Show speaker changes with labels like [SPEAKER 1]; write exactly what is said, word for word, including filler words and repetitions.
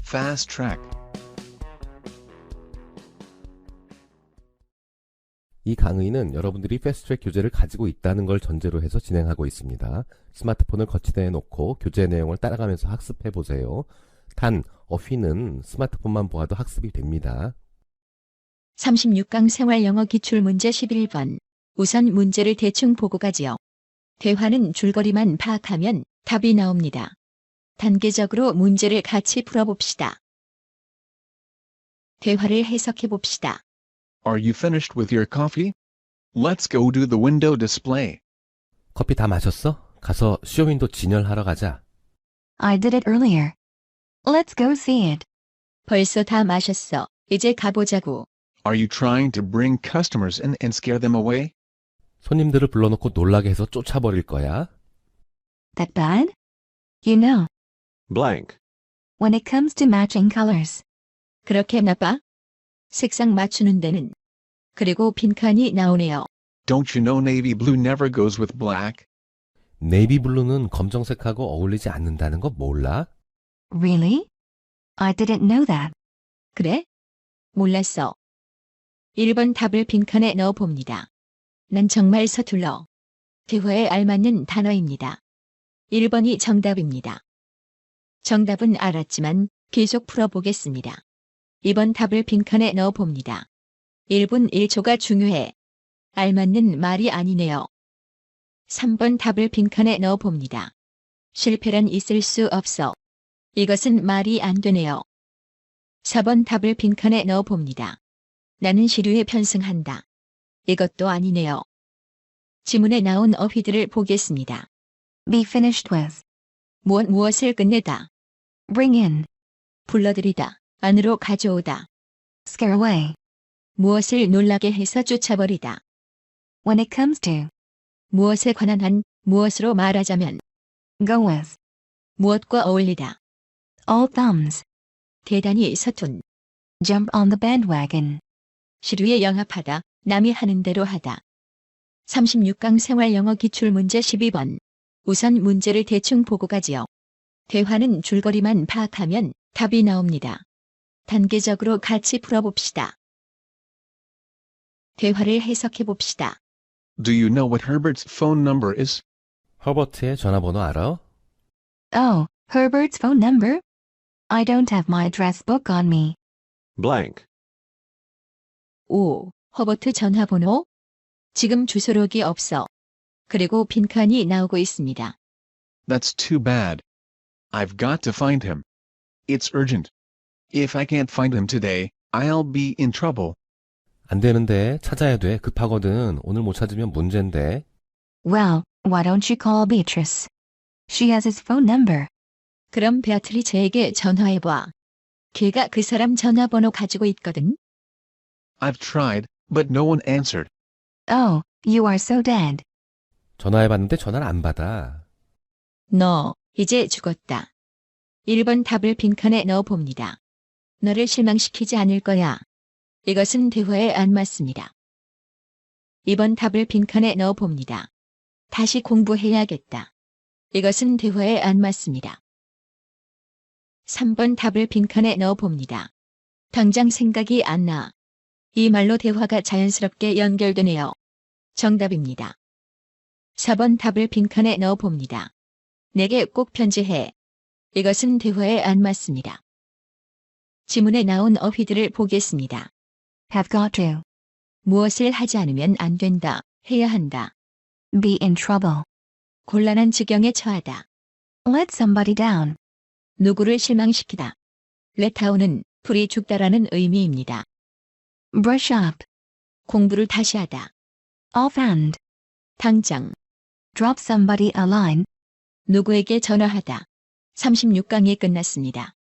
[SPEAKER 1] Fast track.
[SPEAKER 2] 이 강의는 여러분들이 패스트트랙 교재를 가지고 있다는 걸 전제로 해서 진행하고 있습니다. 스마트폰을 거치대에 놓고 교재 내용을 따라가면서 학습해 보세요. 단, 어휘는 스마트폰만 보아도 학습이 됩니다.
[SPEAKER 3] 삼십육 강 생활영어 기출문제 십일 번. 우선 문제를 대충 보고 가지요. 대화는 줄거리만 파악하면 답이 나옵니다. 단계적으로 문제를 같이 풀어봅시다. 대화를 해석해 봅시다.
[SPEAKER 1] Are you finished with your coffee? Let's go to the window display.
[SPEAKER 2] 커피 다 마셨어? 가서 쇼윈도 진열하러 가자.
[SPEAKER 4] I did it earlier. Let's go see it.
[SPEAKER 3] 벌써 다 마셨어. 이제 가보자고.
[SPEAKER 1] Are you trying to bring customers in and scare them away?
[SPEAKER 2] 손님들을 불러놓고 놀라게 해서 쫓아버릴 거야.
[SPEAKER 4] That bad? You know,
[SPEAKER 5] blank,
[SPEAKER 4] when it comes to matching colors,
[SPEAKER 3] 그렇게 나빠? 색상 맞추는 데는. 그리고 빈칸이 나오네요.
[SPEAKER 1] Don't you know navy blue never goes with black?
[SPEAKER 2] 네이비 블루는 검정색하고 어울리지 않는다는 거 몰라?
[SPEAKER 4] really? I didn't know that.
[SPEAKER 3] 그래? 몰랐어. 일 번 답을 빈칸에 넣어봅니다. 난 정말 서툴러. 대화에 알맞는 단어입니다. 일 번이 정답입니다. 정답은 알았지만 계속 풀어보겠습니다. 이 번 답을 빈칸에 넣어봅니다. 일 분 일 초가 중요해. 알맞는 말이 아니네요. 삼 번 답을 빈칸에 넣어봅니다. 실패란 있을 수 없어. 이것은 말이 안 되네요. 사 번 답을 빈칸에 넣어봅니다. 나는 시류에 편승한다. 이것도 아니네요. 지문에 나온 어휘들을 보겠습니다.
[SPEAKER 4] Be finished with.
[SPEAKER 3] 무엇 무엇을 끝내다.
[SPEAKER 4] Bring in.
[SPEAKER 3] 불러들이다. 안으로 가져오다.
[SPEAKER 4] Scare away.
[SPEAKER 3] 무엇을 놀라게 해서 쫓아버리다.
[SPEAKER 4] When it comes to.
[SPEAKER 3] 무엇에 관한 한, 무엇으로 말하자면.
[SPEAKER 4] Go with.
[SPEAKER 3] 무엇과 어울리다.
[SPEAKER 4] All thumbs.
[SPEAKER 3] 대단히 서툰.
[SPEAKER 4] Jump on the bandwagon.
[SPEAKER 3] 시류에 영합하다. 남이 하는 대로 하다. 삼십육 강 생활영어 기출문제 십이 번. 우선 문제를 대충 보고 가지요. 대화는 줄거리만 파악하면 답이 나옵니다. 단계적으로 같이 풀어봅시다. 대화를 해석해 봅시다.
[SPEAKER 1] Do you know what Herbert's phone number is?
[SPEAKER 2] 허버트의 전화번호 알아?
[SPEAKER 4] Oh, Herbert's phone number? I don't have my address book on me.
[SPEAKER 5] blank,
[SPEAKER 3] 오. 허버트 전화번호? 지금 주소록이 없어. 그리고 빈칸이 나오고 있습니다.
[SPEAKER 1] That's too bad. I've got to find him. It's urgent. If I can't find him today, I'll be in trouble.
[SPEAKER 2] 안 되는데 찾아야 돼. 급하거든. 오늘 못 찾으면 문제인데.
[SPEAKER 4] Well, why don't you call Beatrice? She has his phone number.
[SPEAKER 3] 그럼 베아트리체에게 전화해봐. 걔가 그 사람 전화번호 가지고 있거든.
[SPEAKER 1] I've tried, but no one answered.
[SPEAKER 4] Oh, you are so dead.
[SPEAKER 2] 전화해봤는데 전화를 안 받아.
[SPEAKER 3] 너, 이제 죽었다. 일 번 답을 빈칸에 넣어봅니다. 너를 실망시키지 않을 거야. 이것은 대화에 안 맞습니다. 이 번 답을 빈칸에 넣어봅니다. 다시 공부해야겠다. 이것은 대화에 안 맞습니다. 삼 번 답을 빈칸에 넣어봅니다. 당장 생각이 안 나. 이 말로 대화가 자연스럽게 연결되네요. 정답입니다. 사 번 답을 빈칸에 넣어봅니다. 내게 꼭 편지해. 이것은 대화에 안 맞습니다. 지문에 나온 어휘들을 보겠습니다.
[SPEAKER 4] Have got to.
[SPEAKER 3] 무엇을 하지 않으면 안 된다, 해야 한다.
[SPEAKER 4] Be in trouble.
[SPEAKER 3] 곤란한 지경에 처하다.
[SPEAKER 4] Let somebody down.
[SPEAKER 3] 누구를 실망시키다. let down은 불이 죽다라는 의미입니다.
[SPEAKER 4] Brush up.
[SPEAKER 3] 공부를 다시 하다.
[SPEAKER 4] Offhand.
[SPEAKER 3] 당장.
[SPEAKER 4] Drop somebody a line.
[SPEAKER 3] 누구에게 전화하다. 삼십육 강이 끝났습니다.